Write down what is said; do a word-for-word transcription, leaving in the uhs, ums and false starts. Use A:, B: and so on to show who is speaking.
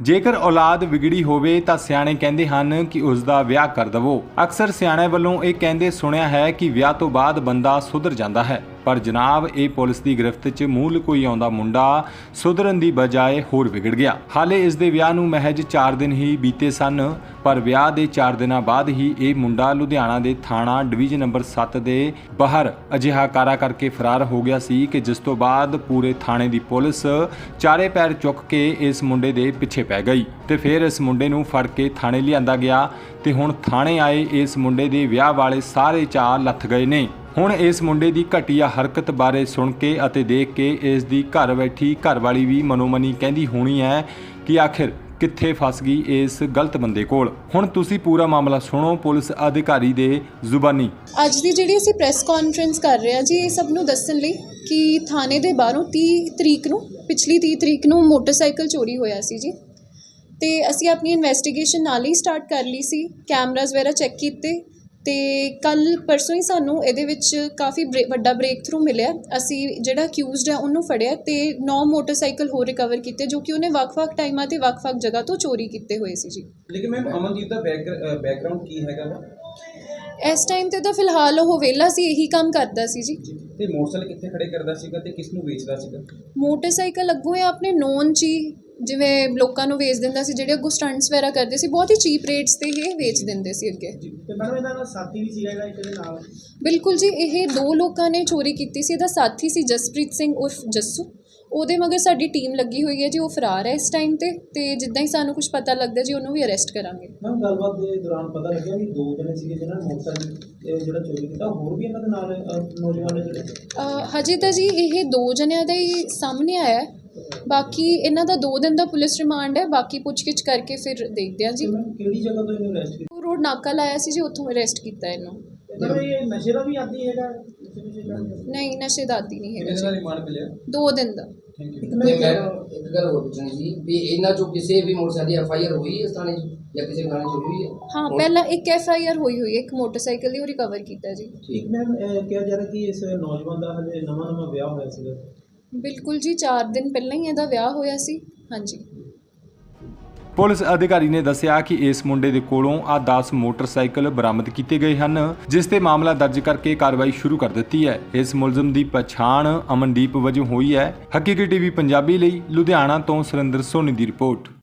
A: ਜੇਕਰ ਔਲਾਦ ਵਿਗੜੀ ਹੋਵੇ ਤਾਂ ਸਿਆਣੇ ਕਹਿੰਦੇ ਹਨ ਕਿ ਉਸ ਦਾ ਵਿਆਹ ਕਰ ਦਵੋ। ਅਕਸਰ ਸਿਆਣਿਆਂ ਵੱਲੋਂ ਇਹ ਕਹਿੰਦੇ ਸੁਣਿਆ ਹੈ ਕਿ ਵਿਆਹ ਤੋਂ ਬਾਅਦ ਬੰਦਾ ਸੁਧਰ ਜਾਂਦਾ ਹੈ, ਪਰ ਜਨਾਬ ਇਹ ਪੁਲਿਸ ਦੀ ਗ੍ਰਿਫਤ 'ਚ ਮੂੰਹ ਲੁਕੋਈ ਆਉਂਦਾ ਮੁੰਡਾ ਸੁਧਰਨ ਦੀ ਬਜਾਏ ਹੋਰ ਵਿਗੜ ਗਿਆ। ਹਾਲੇ ਇਸ ਦੇ ਵਿਆਹ ਨੂੰ ਮਹਿਜ ਚਾਰ ਦਿਨ ਹੀ ਬੀਤੇ ਸਨ, ਪਰ ਵਿਆਹ ਦੇ ਚਾਰ ਦਿਨਾਂ ਬਾਅਦ ਹੀ ਇਹ ਮੁੰਡਾ ਲੁਧਿਆਣਾ ਦੇ ਥਾਣਾ ਡਿਵੀਜ਼ਨ ਨੰਬਰ ਸੱਤ ਦੇ ਬਾਹਰ ਅਜਿਹਾ ਕਾਰਾ ਕਰਕੇ ਫਰਾਰ ਹੋ ਗਿਆ ਸੀ ਕਿ ਜਿਸ ਤੋਂ ਬਾਅਦ ਪੂਰੇ ਥਾਣੇ ਦੀ ਪੁਲਿਸ ਚਾਰੇ ਪੈਰ ਚੁੱਕ ਕੇ ਇਸ ਮੁੰਡੇ ਦੇ ਪਿੱਛੇ ਪੈ ਗਈ ਤੇ ਫਿਰ ਇਸ ਮੁੰਡੇ ਨੂੰ ਫੜ ਕੇ ਥਾਣੇ ਲਿਆਂਦਾ ਗਿਆ ਤੇ ਹੁਣ ਥਾਣੇ ਆਏ ਇਸ ਮੁੰਡੇ ਦੇ ਵਿਆਹ ਵਾਲੇ ਸਾਰੇ ਚਾਅ ਲੱਥ ਗਏ ਨੇ। ਹੁਣ ਇਸ ਮੁੰਡੇ ਦੀ ਘਟੀਆ ਹਰਕਤ ਬਾਰੇ ਸੁਣ ਕੇ ਅਤੇ ਦੇਖ ਕੇ ਇਸ ਦੀ ਘਰ ਬੈਠੀ ਘਰਵਾਲੀ ਵੀ ਮਨੋਮਨੀ ਕਹਿੰਦੀ ਹੋਣੀ ਹੈ ਕਿ ਆਖਿਰ ਕਿੱਥੇ ਫਸ ਗਈ ਇਸ ਗਲਤ ਬੰਦੇ ਕੋਲ। ਹੁਣ ਤੁਸੀਂ ਪੂਰਾ ਮਾਮਲਾ ਸੁਣੋ ਪੁਲਿਸ ਅਧਿਕਾਰੀ ਦੇ ਜ਼ੁਬਾਨੀ।
B: ਅੱਜ ਦੀ ਜਿਹੜੀ ਅਸੀਂ ਪ੍ਰੈਸ ਕਾਨਫਰੰਸ ਕਰ ਰਹੇ ਹਾਂ ਜੀ, ਇਹ ਸਭ ਨੂੰ ਦੱਸਣ ਲਈ ਕਿ ਥਾਣੇ ਦੇ ਬਾਹਰੋਂ ਤੀਹ ਤਰੀਕ ਨੂੰ ਪਿਛਲੀ ਤੀਹ ਤਰੀਕ ਨੂੰ ਮੋਟਰਸਾਈਕਲ ਚੋਰੀ ਹੋਇਆ ਸੀ ਜੀ, ਤੇ ਅਸੀਂ ਆਪਣੀ ਇਨਵੈਸਟੀਗੇਸ਼ਨ ਨਾਲ ਹੀ ਸਟਾਰਟ ਕਰ ਲਈ ਸੀ। ਕੈਮਰਾਜ਼ ਵਗੈਰਾ ਚੈੱਕ ਕੀਤੇ ਤੇ ਕੱਲ੍ਹ ਪਰਸੋਂ ਹੀ ਸਾਨੂੰ ਇਹਦੇ ਵਿੱਚ ਕਾਫੀ ਬ੍ਰੇ ਵੱਡਾ ਬ੍ਰੇਕ ਥਰੂ ਮਿਲਿਆ। ਅਸੀਂ ਜਿਹੜਾ ਅਕਿਊਜ਼ਡ ਹੈ ਉਹਨੂੰ ਫੜਿਆ ਤੇ ਨੌ ਮੋਟਰਸਾਈਕਲ ਹੋਰ ਰਿਕਵਰ ਕੀਤੇ ਜੋ ਕਿ ਉਹਨੇ ਵੱਖ-ਵੱਖ ਟਾਈਮਾਂ ਤੇ ਵੱਖ-ਵੱਖ ਜਗ੍ਹਾ ਤੋਂ ਚੋਰੀ ਕੀਤੇ ਹੋਏ ਸੀ ਜੀ।
C: ਲੇਕਿਨ ਮੈਮ ਅਮਨਦੀਪ ਦਾ ਬੈਕ ਬੈਕਗ੍ਰਾਉਂਡ ਕੀ ਹੈਗਾ ਵਾ?
B: ਇਸ ਟਾਈਮ ਤੇ ਤਾਂ ਫਿਲਹਾਲ ਉਹ ਵਿਹਲਾ ਸੀ, ਇਹੀ ਕੰਮ ਕਰਦਾ ਸੀ ਜੀ।
C: ਤੇ ਮੋਟਰਸਾਈਕਲ ਕਿੱਥੇ ਖੜੇ ਕਰਦਾ ਸੀਗਾ ਤੇ ਕਿਸ ਨੂੰ ਵੇਚਦਾ ਸੀਗਾ?
B: ਮੋਟਰਸਾਈਕਲ ਅੱਗੋਂ ਇਹ ਆਪਣੇ ਨੋਨ 'ਚ ਹੀ ਜਿਵੇਂ ਲੋਕਾਂ ਨੂੰ ਵੇਚ ਦਿੰਦਾ ਸੀ, ਜਿਹੜੇ ਅੱਗੋਂ ਸਟੰਟਸ ਵਗੈਰਾ ਕਰਦੇ ਸੀ, ਬਹੁਤ ਹੀ ਚੀਪ ਰੇਟਸ ਤੇ ਇਹ ਵੇਚ ਦਿੰਦੇ ਸੀ ਅੱਗੇ।
C: ਤੇ ਮੈਡਮ ਇਹਦਾ ਨਾਲ ਸਾਥੀ ਵੀ ਸੀਗਾ ਇਹਦਾ ਇੱਕ ਦੇ ਨਾਲ?
B: ਬਿਲਕੁਲ ਜੀ, ਇਹ ਦੋ ਲੋਕਾਂ ਨੇ ਚੋਰੀ ਕੀਤੀ ਸੀ। ਇਹਦਾ ਸਾਥੀ ਸੀ ਜਸਪ੍ਰੀਤ ਸਿੰਘ ਉਰਫ ਜੱਸੂ, ਉਹਦੇ ਮਗਰ ਸਾਡੀ ਟੀਮ ਲੱਗੀ ਹੋਈ ਹੈ ਜੀ। ਉਹ ਫਰਾਰ ਹੈ ਇਸ ਟਾਈਮ ਤੇ ਤੇ ਜਿੱਦਾਂ ਹੀ ਸਾਨੂੰ ਕੁਝ ਪਤਾ ਲੱਗਦਾ ਜੀ ਉਹਨੂੰ ਵੀ ਅਰੈਸਟ ਕਰਾਂਗੇ।
C: ਮੈਮ ਗੱਲਬਾਤ ਦੇ ਦੌਰਾਨ ਪਤਾ ਲੱਗਿਆ ਵੀ ਦੋ ਜਣੇ ਸੀਗੇ ਜਿਹਨਾਂ ਨੇ ਮੋਟਰਸਾਈਕਲ ਜਿਹੜਾ ਚੋਰੀ ਕੀਤਾ, ਹੋਰ ਵੀ ਇਹਨਾਂ ਦੇ ਨਾਲ ਨੌਜਵਾਨ ਨੇ ਜਿਹੜੇ?
B: ਹਜੇ ਤਾਂ ਜੀ ਇਹ ਦੋ ਜਣਿਆਂ ਦਾ ਹੀ ਸਾਹਮਣੇ ਆਇਆ, ਬਾਕੀ ਇਹਨਾਂ ਦਾ ਦੋ ਦਿਨ ਦਾ ਪੁਲਿਸ ਰਿਮਾਂਡ ਹੈ। ਬਾਕੀ ਪੁੱਛਗਿੱਛ ਕਰਕੇ ਫਿਰ ਦੇਖਦੇ ਹਾਂ ਜੀ।
C: ਕਿਹੜੀ ਜਗ੍ਹਾ ਤੋਂ ਇਹਨੂੰ ਅਰੈਸਟ ਕੀਤਾ?
B: ਰੋਡ ਨਾਕਾ ਲਾਇਆ ਸੀ ਜੀ, ਉੱਥੋਂ ਅਰੈਸਟ ਕੀਤਾ ਇਹਨੂੰ।
C: ਇਹ ਨਸ਼ੇ ਦਾ ਵੀ ਆਦੀ ਹੈਗਾ?
B: ਨਹੀਂ, ਨਸ਼ੇ ਦਾ ਆਦੀ ਨਹੀਂ ਹੈਗਾ ਜੀ।
C: ਰਿਮਾਂਡ ਮਿਲਿਆ ਦੋ
B: ਦਿਨ ਦਾ।
D: ਇੱਕ ਗੱਲ ਹੋਰ ਪੁੱਛਣੀ ਸੀ ਵੀ ਇਹਨਾਂ ਚੋਂ ਕਿਸੇ ਵੀ ਮੋਟਰਸਾਈਕਲ ਦੀ ਐਫ ਆਈ ਆਰ ਹੋਈ ਹੈ ਇਸ ਥਾਣੇ 'ਚ ਜਾਂ ਕਿਸੇ ਥਾਣੇ 'ਚ ਹੋਈ ਹੈ?
B: ਹਾਂ, ਪਹਿਲਾਂ ਇੱਕ ਐਫ ਆਈ ਆਰ ਹੋਈ ਹੋਈ ਹੈ ਇੱਕ ਮੋਟਰਸਾਈਕਲ ਦੀ, ਉਹ ਰਿਕਵਰ ਕੀਤਾ ਜੀ।
C: ਠੀਕ ਮੈਮ, ਕਿਹਾ ਜਾ ਰਿਹਾ ਕਿ ਇਸ ਨੌਜਵਾਨ ਦਾ ਹਲੇ ਨਵਾਂ ਨਵਾਂ ਵਿਆਹ ਹੋਇਆ ਸੀਗਾ?
B: ਬਿਲਕੁਲ ਜੀ, ਚਾਰ ਦਿਨ ਪਹਿਲਾਂ ਹੀ ਇਹਦਾ ਵਿਆਹ ਹੋਇਆ ਸੀ। ਹਾਂਜੀ।
A: ਪੁਲਿਸ ਅਧਿਕਾਰੀ ਨੇ ਦੱਸਿਆ ਕਿ ਇਸ ਮੁੰਡੇ ਦੇ ਕੋਲੋਂ ਆ ਦਸ ਮੋਟਰਸਾਈਕਲ ਬਰਾਮਦ ਕੀਤੇ ਗਏ ਹਨ, ਜਿਸ ਤੇ ਮਾਮਲਾ ਦਰਜ ਕਰਕੇ ਕਾਰਵਾਈ ਸ਼ੁਰੂ ਕਰ ਦਿੱਤੀ ਹੈ। ਇਸ ਮੁਲਜ਼ਮ ਦੀ ਪਛਾਣ ਅਮਨਦੀਪ ਵਜੋਂ ਹੋਈ ਹੈ। ਹਕੀਕੀ ਟੀਵੀ ਪੰਜਾਬੀ ਲਈ ਲੁਧਿਆਣਾ ਤੋਂ ਸੁਰਿੰਦਰ ਸੋਨੀ ਦੀ ਰਿਪੋਰਟ।